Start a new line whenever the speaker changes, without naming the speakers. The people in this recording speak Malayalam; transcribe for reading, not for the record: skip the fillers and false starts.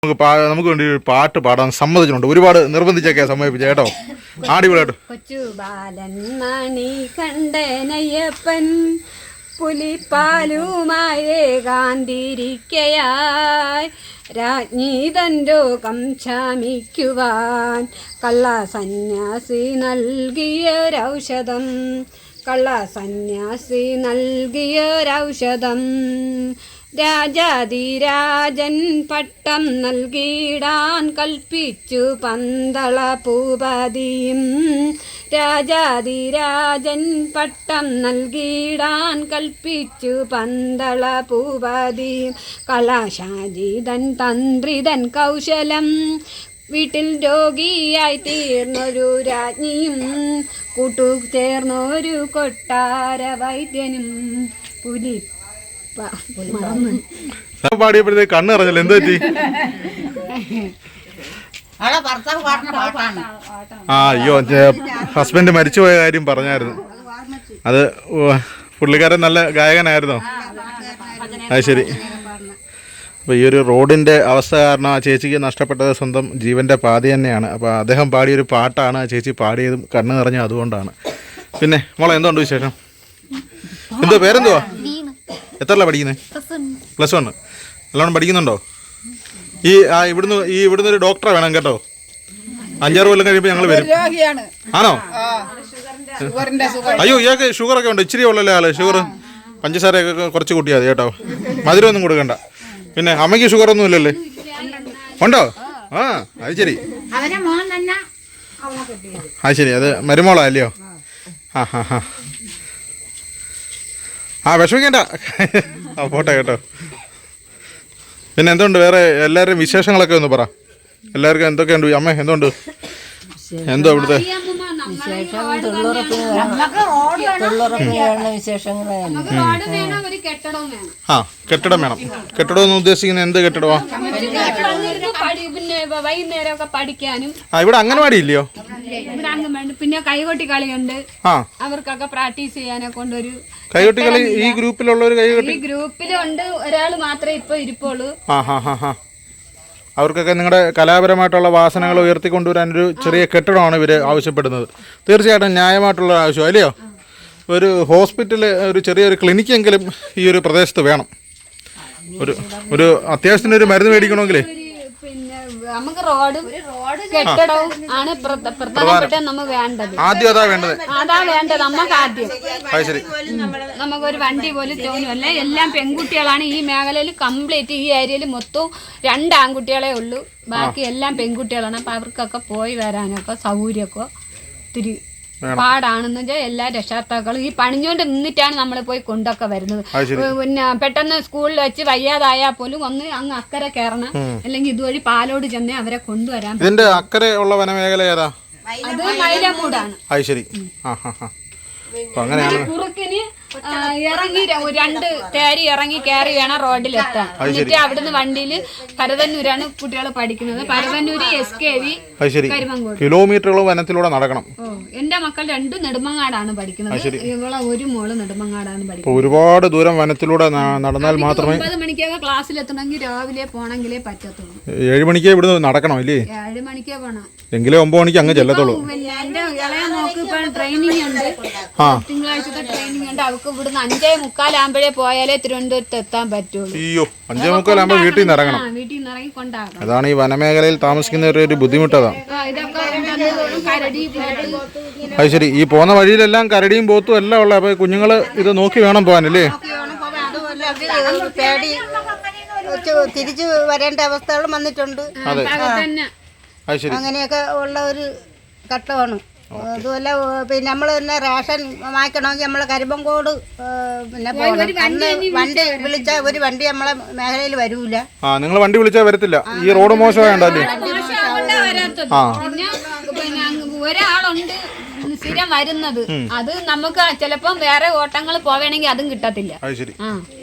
നമുക്ക് വേണ്ടി ഒരു പാട്ട് പാടാൻ സമ്മതിച്ചിട്ടുണ്ട്. ഒരുപാട് നിർബന്ധിച്ചൊക്കെയാ സമ്മതിപ്പിച്ച കേട്ടോ. അടിപൊളിയായിട്ട്.
കൊച്ചു ബാലൻ മണി കണ്ടനയ്യപ്പൻ പുലിപ്പാലുമായി കാന്തിരിക്കയായി രാജ്ഞി തൻ രോഗം ശമിക്കുവാൻ കള്ള സന്യാസി നൽകിയൊരൗഷധം രാജാതിരാജൻ പട്ടം നൽകിടാൻ കൽപ്പിച്ചു പന്തള ഭൂപതിയും രാജാതിരാജൻ പട്ടം നൽകിടാൻ കൽപ്പിച്ചു പന്തള ഭൂപതിയും കലാശാജിതൻ തന്ത്രിതൻ കൗശലം വീട്ടിൽ രോഗിയായി തീർന്നൊരു രാജ്ഞിയും കൂട്ടുചേർന്നൊരു കൊട്ടാര വൈദ്യനും
പാടിയപ്പോഴത്തേക്ക് കണ്ണ് അറിഞ്ഞല്ലോ. എന്ത് പറ്റി? അയ്യോ, ഹസ്ബൻഡ് മരിച്ചുപോയ കാര്യം പറഞ്ഞായിരുന്നു. അത് പുള്ളിക്കാരൻ നല്ല ഗായകനായിരുന്നോ? അത് ശരി. അപ്പോൾ ഈ ഒരു റോഡിൻ്റെ അവസ്ഥ കാരണം ആ ചേച്ചിക്ക് നഷ്ടപ്പെട്ടത് സ്വന്തം ജീവൻ്റെ പാതി തന്നെയാണ്. അപ്പോൾ അദ്ദേഹം പാടിയൊരു പാട്ടാണ് ആ ചേച്ചി പാടിയതും കണ്ണ് നിറഞ്ഞ അതുകൊണ്ടാണ്. പിന്നെ മോളെ എന്തുകൊണ്ട് വിശേഷം? എന്തോ പേരെന്തുവാ? എത്രല്ല പഠിക്കുന്നത്? +1. നല്ലോണം പഠിക്കുന്നുണ്ടോ? ഇവിടുന്ന് ഒരു ഡോക്ടറെ വേണം കേട്ടോ. 5-6 കൊല്ലം കഴിയുമ്പോൾ ഞങ്ങൾ വരും. ആണോ? അയ്യോ, ഇയാൾക്ക് ഷുഗറൊക്കെ ഉണ്ട്. ഇച്ചിരി ഉള്ളല്ലേ ആള്? ഷുഗർ പഞ്ചസാരയൊക്കെ കുറച്ച് കൂട്ടിയാൽ മതി കേട്ടോ. മധുരമൊന്നും കൊടുക്കണ്ട. പിന്നെ അമ്മയ്ക്ക് ഷുഗറൊന്നും ഇല്ലല്ലേ? ഉണ്ടോ? അത് ശരി. അത് ശരി. അത് മരുമോളാ അല്ലയോ? വിഷമിക്കണ്ട. പോട്ടെ കേട്ടോ. പിന്നെ എന്തുകൊണ്ട് വേറെ എല്ലാവരുടെയും വിശേഷങ്ങളൊക്കെ ഒന്ന് പറ. എല്ലാവർക്കും എന്തൊക്കെയുണ്ട്? അമ്മ എന്തുകൊണ്ട്? എന്തോ ഇവിടുത്തെ കെട്ടിടം വേണം. കെട്ടിടം എന്ന് ഉദ്ദേശിക്കുന്നത് എന്ത് കെട്ടിടമാ?
വൈകുന്നേരമൊക്കെ പഠിക്കാനും.
ഇവിടെ അംഗൻവാടി ഇല്ലയോ?
പിന്നെ കൈകൊട്ടി കളിയുണ്ട്. അവർക്കൊക്കെ പ്രാക്ടീസ് ചെയ്യാനൊക്കെ കൊണ്ടൊരു
കൈകൊട്ടി കളി. ഈ ഗ്രൂപ്പിലുള്ളൊരു കൈകൊട്ടി
ഗ്രൂപ്പിലുണ്ട്. ഒരാൾ മാത്രമേ ഇപ്പൊ ഇരിപ്പുള്ളൂ.
അവർക്കൊക്കെ നിങ്ങളുടെ കലാപരമായിട്ടുള്ള വാസനകൾ ഉയർത്തിക്കൊണ്ടുവരാനൊരു ചെറിയ കെട്ടിടമാണ് ഇവർ ആവശ്യപ്പെടുന്നത്. തീർച്ചയായിട്ടും ന്യായമായിട്ടുള്ള ആവശ്യം അല്ലയോ? ഒരു ഹോസ്പിറ്റൽ, ഒരു ചെറിയൊരു ക്ലിനിക്കെങ്കിലും ഈ ഒരു പ്രദേശത്ത് വേണം. ഒരു അത്യാവശ്യത്തിന് ഒരു മരുന്ന് മേടിക്കണമെങ്കിലേ
നമുക്ക് റോഡും കെട്ടിടവും ആണ് പ്രധാനപ്പെട്ട നമുക്ക് വേണ്ടത്.
ആദ്യം അതാ വേണ്ടത്.
നമുക്ക് ആദ്യം നമുക്കൊരു വണ്ടി പോലും തോന്നുമല്ല. എല്ലാം പെൺകുട്ടികളാണ് ഈ മേഖലയിൽ കംപ്ലീറ്റ്. ഈ ഏരിയയിൽ മൊത്തം 2 ആൺകുട്ടികളെ ഉള്ളൂ. ബാക്കി എല്ലാം പെൺകുട്ടികളാണ്. അപ്പൊ അവർക്കൊക്കെ പോയി വരാനൊക്കെ സൗകര്യമൊക്കെ ഇത്തിരി പാടാണെന്ന് വെച്ചാൽ എല്ലാ രക്ഷാകർത്താക്കളും ഈ പണിഞ്ഞുകൊണ്ട് നിന്നിട്ടാണ് നമ്മൾ പോയി കൊണ്ടൊക്കെ വരുന്നത്. പിന്നെ പെട്ടെന്ന് സ്കൂളിൽ വെച്ച് വയ്യാതായാൽ പോലും ഒന്ന് അങ്ങ് അക്കരെ കയറണം, അല്ലെങ്കിൽ ഇതുവഴി പാലോട് ചെന്നേ അവരെ കൊണ്ടുവരാൻ.
ഇതിന്റെ അക്കരെ ഉള്ള വനമേഖല ഏതാ?
അത് മൈലമൂടാണ്. കുറുക്കിന് ഇറങ്ങി 2 തേരി ഇറങ്ങി കയറി വേണം റോഡിലെത്താൻ. എന്നിട്ട് അവിടുന്ന് വണ്ടിയിൽ പരതന്നൂരാണ് കുട്ടികൾ പഠിക്കുന്നത്. പരതന്നൂര് SKV കരിമങ്കോട്.
കിലോമീറ്ററുകൾ വനത്തിലൂടെ നടക്കണം.
എന്റെ മക്കൾ 2 നെടുമങ്ങാടാണ് പഠിക്കുന്നത്. ഇവളെ ഒരു മോള് നെടുമങ്ങാടാണ് പഠിക്കുന്നത്.
ഒരുപാട് ദൂരം വനത്തിലൂടെ നടന്നാൽ മാത്രമേ
9 മണിക്കൊക്കെ ക്ലാസ്സിൽ എത്തണമെങ്കിൽ രാവിലെ പോണെങ്കിലേ പറ്റത്തുള്ളൂ.
7 മണിക്ക് ഇവിടുന്ന് നടക്കണം അല്ലേ?
7 മണിക്കേ പോണം.
എങ്കിലേ 9 മണിക്ക് അങ്ങ് ചെല്ലത്തുള്ളൂ.
എന്റെ ഇളയ നോക്ക് ഇപ്പൊ ട്രെയിനിങ് ഉണ്ട്. തിങ്കളാഴ്ചത്തെ ട്രെയിനിങ് ഉണ്ട്. അവർക്ക് ഇവിടുന്ന് 5:45 ആകുമ്പോഴേ പോയാലേ തിരുവനന്തപുരത്ത് എത്താൻ പറ്റുള്ളൂ.
അയ്യോ, 5:45 ആകുമ്പോൾ വീട്ടിൽ നിന്ന് ഇറങ്ങണം.
വീട്ടിൽ നിന്ന് ഇറങ്ങി കൊണ്ടാകണം.
അതാണ് ഈ വനമേഖലയിൽ താമസിക്കുന്നവരുടെ ഒരു ബുദ്ധിമുട്ടതാണ്. അത് ശരി. ഈ പോകുന്ന വഴിയിലെല്ലാം കരടിയും പോത്തും എല്ലാം ഉള്ള. അപ്പൊ കുഞ്ഞുങ്ങള് ഇത് നോക്കി വേണം പോകാനല്ലേ?
തിരിച്ചു വരേണ്ട അവസ്ഥകളും വന്നിട്ടുണ്ട്. അങ്ങനെയൊക്കെ ഉള്ള ഒരു ഘട്ടമാണ്. അതുമല്ല, പിന്നെ നമ്മൾ തന്നെ റേഷൻ വാങ്ങിക്കണമെങ്കിൽ നമ്മൾ കരിമ്പങ്കോട് പിന്നെ വണ്ടി വിളിച്ചാൽ ഒരു വണ്ടി നമ്മളെ മേഖലയിൽ വരൂല.
നിങ്ങൾ വണ്ടി വിളിച്ചാൽ വരത്തില്ല. ഈ റോഡ് മോശമായല്ലേ?
ഒരാളുണ്ട് സ്ഥിരം വരുന്നത്. അത് നമുക്ക് ചിലപ്പം വേറെ ഓട്ടങ്ങൾ പോവേണമെങ്കിൽ അതും കിട്ടത്തില്ല.